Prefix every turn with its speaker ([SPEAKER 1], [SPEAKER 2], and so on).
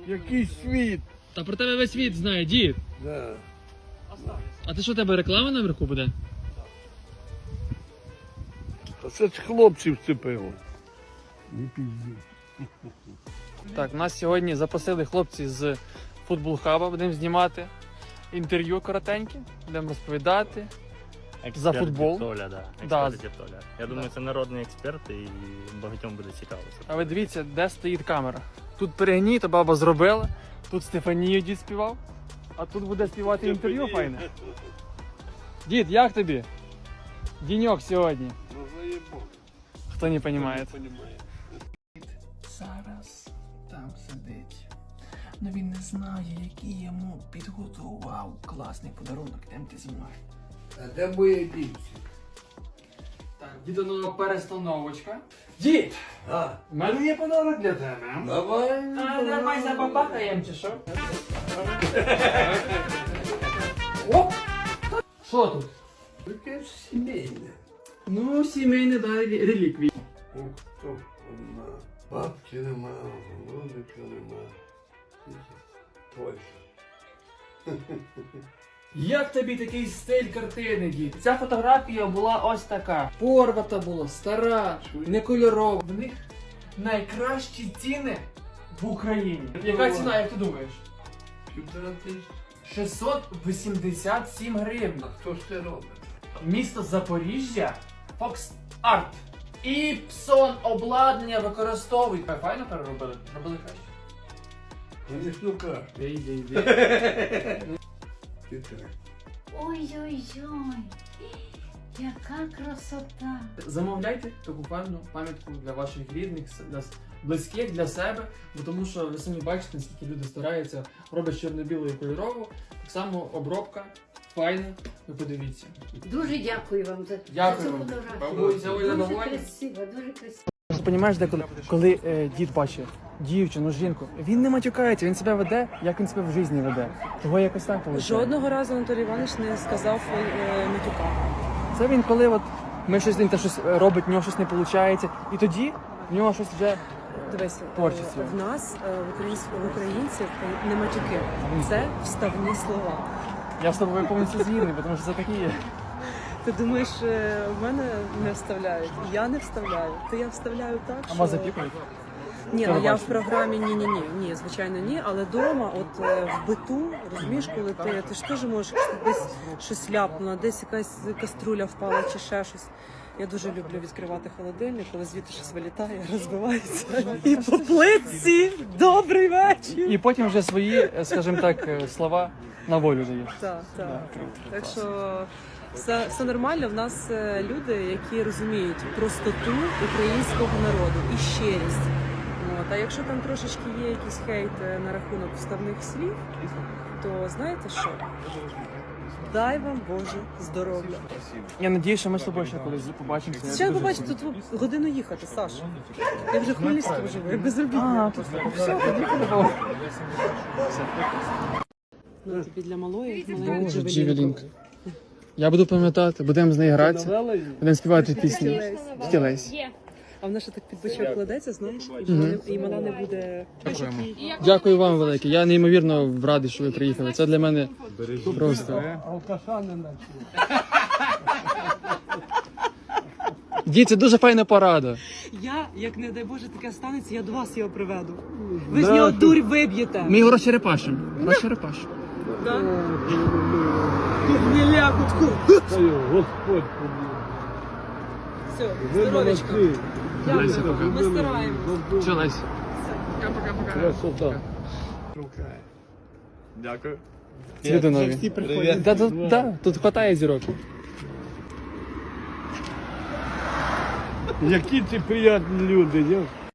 [SPEAKER 1] Який світ?
[SPEAKER 2] Та про тебе весь світ знає, дід.
[SPEAKER 1] Да.
[SPEAKER 2] А ти що, у тебе реклама наверху буде?
[SPEAKER 1] А це ж хлопців вцепило. Не пізді.
[SPEAKER 2] Так, нас сьогодні запросили хлопці з Футбол Хаба, будемо знімати інтерв'ю коротеньке, будемо розповідати. За футбол.
[SPEAKER 3] Толя, да.
[SPEAKER 2] Да.
[SPEAKER 3] Експерт Толя. Я думаю, це народний експерт і багатьом буде цікаво.
[SPEAKER 2] А ви дивіться, де стоїть камера. Тут перегній, то баба зробила, тут Стефанію дід співав, а тут буде співати інтерв'ю файне. Дід, як тобі? Діньок сьогодні.
[SPEAKER 1] Ну заєбок.
[SPEAKER 2] Хто не розуміє.
[SPEAKER 4] Зараз там сидить. Но він не знає, який йому підготував класний подарунок. Йдемте зі мною.
[SPEAKER 1] А де моє дівці?
[SPEAKER 2] Так, дідонова перестановочка. Дід!
[SPEAKER 1] А,
[SPEAKER 2] У мене є подарунок для тебе.
[SPEAKER 1] давай.
[SPEAKER 2] Давай забабахаємо чи що? Оп! Що тут?
[SPEAKER 1] Таке ж сімейне.
[SPEAKER 2] Ну, сімейне, да, реліквії.
[SPEAKER 1] О, хто одна. Бабки нема, голубика нема. Точно.
[SPEAKER 2] Як тобі такий стиль картини, дід? Ця фотографія була ось така. Порвата була, стара, не кольорова. В них найкращі ціни в Україні. Яка ціна, як ти думаєш?
[SPEAKER 1] 1500.
[SPEAKER 2] 687 гривень.
[SPEAKER 1] А хто ж це робить?
[SPEAKER 2] Місто Запоріжжя, Fox Art. Іпсон обладнання використовують. Файно переробили? Робили краще.
[SPEAKER 1] Вони ж ну кажуть.
[SPEAKER 2] Йди.
[SPEAKER 1] Ти так.
[SPEAKER 5] Ой-ой-ой, яка красота!
[SPEAKER 2] Замовляйте таку певну пам'ятку для ваших рідних, для близьких, для себе, бо тому що ви самі бачите, наскільки люди стараються, роблять чорно-білу і кольорову. Так само обробка, файна, ви подивіться.
[SPEAKER 5] Дуже дякую вам за
[SPEAKER 2] Дякую
[SPEAKER 5] цю
[SPEAKER 2] вам.
[SPEAKER 5] фотографію.
[SPEAKER 2] Бабуся, ви
[SPEAKER 5] Дуже
[SPEAKER 2] задоволені?
[SPEAKER 5] красиво, дуже красиво.
[SPEAKER 2] Ти розумієш, деколи, коли дід бачить дівчину, жінку, він не матюкається, він себе веде, як він себе в житті веде. Того якось так виходить.
[SPEAKER 6] Жодного разу Анатолій Іванович не сказав матюка.
[SPEAKER 2] Це він, коли от ми щось, він щось робить, в нього щось не виходить, і тоді в нього щось вже...
[SPEAKER 6] Дивись,
[SPEAKER 2] Творчість.
[SPEAKER 6] в нас, в українців, не матюки. Це вставні слова.
[SPEAKER 2] Я з тобою повністю згідний, тому що це такі є.
[SPEAKER 6] Ти думаєш, в мене не вставляють? Я не вставляю. То я вставляю так,
[SPEAKER 2] А
[SPEAKER 6] що...
[SPEAKER 2] вас запікують?
[SPEAKER 6] Ні,
[SPEAKER 2] Це
[SPEAKER 6] ну
[SPEAKER 2] ви
[SPEAKER 6] я в
[SPEAKER 2] бачите?
[SPEAKER 6] програмі ні, звичайно, ні. Але вдома, от в биту, розумієш, коли ти ж теж можеш десь щось ляпнуло, десь якась каструля впала чи ще щось. Я дуже люблю відкривати холодильник, коли звідти щось вилітає, розбивається. І по плитці добрий вечір.
[SPEAKER 2] І потім вже свої, скажімо так, слова на волю даєш.
[SPEAKER 6] Так. Так що все нормально. В нас люди, які розуміють простоту українського народу і щирість. От. А якщо там трошечки є якийсь хейт на рахунок вставних слів, то знаєте що? Дай вам Боже здоров'я.
[SPEAKER 2] Я надіюсь, що ми з тобою ще колись побачимося.
[SPEAKER 6] Ще побачите, тут годину їхати, Саш. Я вже в Хмельницькому живу, я безробітна.
[SPEAKER 2] Все, тоді по-любому.
[SPEAKER 6] Ну, тобі для малої,
[SPEAKER 2] Боже,
[SPEAKER 6] маленької
[SPEAKER 2] Джевелінка. Я буду пам'ятати, будемо з нею гратися, будемо співати пісні. Тітя Лесь.
[SPEAKER 6] А вона ще так під бочок кладеться, знаєш, і вона не буде...
[SPEAKER 2] Дякуємо. Дякую вам велике. Я неймовірно радий, що ви приїхали. Це для мене просто.
[SPEAKER 1] Алкаша не наче.
[SPEAKER 2] Дід, це дуже файна порада.
[SPEAKER 6] Я, як не дай Боже, таке станеться, я до вас його приведу. Ви з нього дурь виб'єте.
[SPEAKER 2] Ми його розчерепашимо. Розчерепашимо.
[SPEAKER 6] Так? Не ляпутку.
[SPEAKER 1] Господь побіг.
[SPEAKER 6] Все,
[SPEAKER 1] Ви
[SPEAKER 6] здоровечко.
[SPEAKER 1] молодці.
[SPEAKER 2] Леся, пока.
[SPEAKER 6] Ми стараємось.
[SPEAKER 2] Все, Лесь.
[SPEAKER 1] Красота.
[SPEAKER 3] Дякую.
[SPEAKER 2] Цвіти нові. Да, тут хватає зірок.
[SPEAKER 1] Які ці приємні люди, я